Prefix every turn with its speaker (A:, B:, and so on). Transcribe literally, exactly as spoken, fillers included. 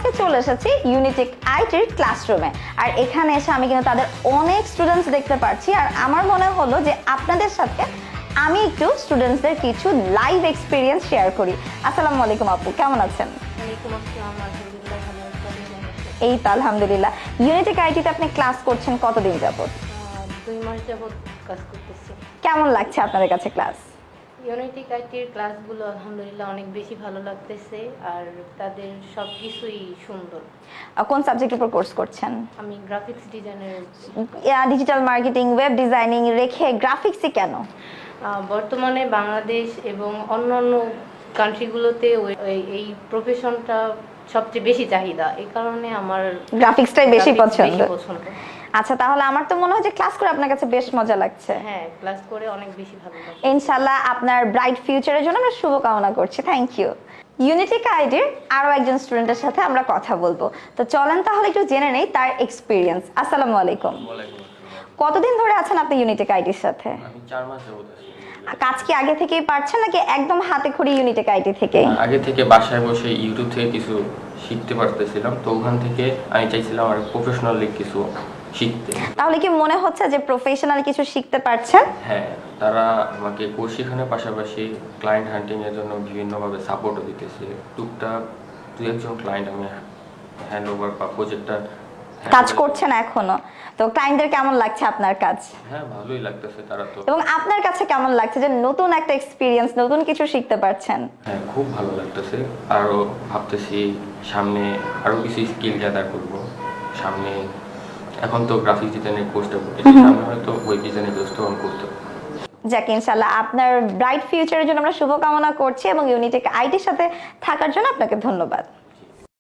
A: আজকে চলে এসেছি ইউনিটেক আইটির ক্লাসরুমে। আর এখানে এসে আমি কিন্তু তাদের অনেক স্টুডেন্টস দেখতে পাচ্ছি। আর আমার মনে হলো যে আপনাদের সাথে আমি একটু স্টুডেন্টসদের কিছু লাইভ এক্সপিরিয়েন্স শেয়ার করি। আসসালামু আলাইকুম আপু, কেমন আছেন?
B: ওয়ালাইকুম আসসালাম, আলহামদুলিল্লাহ ভালো আছি।
A: এই তো আলহামদুলিল্লাহ। ইউনিটেক আইটিতে আপনি ক্লাস করছেন কতদিন যাবত?
B: আহ, দুই মাস যাবত কাজ করতেছি।
A: কেমন লাগছে আপনাদের কাছে ক্লাস?
B: ইউনিটিক আইটির ক্লাসগুলো আলহামদুলিল্লাহ অনেক বেশি ভালো লাগতেছে, আর তাদের সব কিছুই সুন্দর।
A: আহ, কোন সাবজেক্টের উপর কোর্স করছেন?
B: আমি গ্রাফিক্স ডিজাইনের।
A: ডিজিটাল মার্কেটিং, ওয়েব ডিজাইনিং রেখে গ্রাফিক্সই কেন?
B: বর্তমানে বাংলাদেশ এবং অন্যান্য কান্ট্রিগুলোতে ওই- ওই- এই প্রফেশনটা সবচেয়ে বেশি চাহিদা, এই কারণে আমার
A: গ্রাফিক্সটাই বেশি
B: graphics
A: পছন্দ।
B: পছন্দ।
A: আচ্ছা, তাহলে আমার তো মনে হয় যে ক্লাস করে আপনার কাছে বেশ মজা লাগছে।
B: হ্যাঁ, ক্লাস করে অনেক বেশি ভালো লাগে।
A: ইনশাআল্লাহ আপনার ব্রাইট ফিউচারের জন্য আমরা শুভকামনা করছি। Thank you. ইউনিটেক আইডির আরো একজন স্টুডেন্টের সাথে আমরা কথা বলবো। তো চলেন তাহলে একটু জেনে নেই তার এক্সপিরিয়েন্স। আসসালামু আলাইকুম।
C: ওয়ালাইকুম আসসালাম।
A: কতদিন ধরে আছেন আপনি ইউনিটেক আইডির সাথে?
C: আমি চার মাস যাবত আছি।
A: কাজ কি আগে থেকেই পারছেন নাকি একদম হাতে খড়ি ইউনিটেক আইডি থেকে?
C: আগে থেকে বাসায় বসে ইউটিউব থেকে কিছু শিখতে পারতেছিলাম, তো ওখান থেকে আমি চাইছিলাম আর প্রফেশনালি কিছু শিখতে।
A: তাহলে কি মনে হচ্ছে যে প্রফেশনাল কিছু শিখতে পারছেন?
C: হ্যাঁ, তারা আমাকে কোর্স শেখানোর পাশাপাশি ক্লায়েন্ট হান্টিং এর জন্য বিভিন্নভাবে সাপোর্টও দিতেছে। টুকটাক দুই একজন ক্লায়েন্ট আমি হ্যান্ড ওভার বা প্রজেক্টটা
A: কাজ করছেন এখনো? তো ক্লায়েন্টদের কেমন লাগছে আপনার কাজ?
C: হ্যাঁ, ভালোই লাগতেছে তারা তো।
A: এবং আপনার কাছে কেমন লাগছে যে নতুন একটা এক্সপিরিয়েন্স, নতুন কিছু শিখতে পারছেন?
C: হ্যাঁ, খুব ভালো লাগতেছে। আরও ভাবতেছি সামনে আরও কিছু স্কিল গ্যাদার করব। সামনে এখন তো গ্রাফিক ডিজাইনের কোর্সটা করতেছি, সামনে হয়তো ওয়েব ডিজাইনের কোর্সটা অন করতে হবে।
A: যাক, ইনশাআল্লাহ আপনার ব্রাইট ফিউচারের জন্য আমরা শুভকামনা করছি এবং ইউনিটেক আইটির সাথে থাকার জন্য আপনাকে ধন্যবাদ।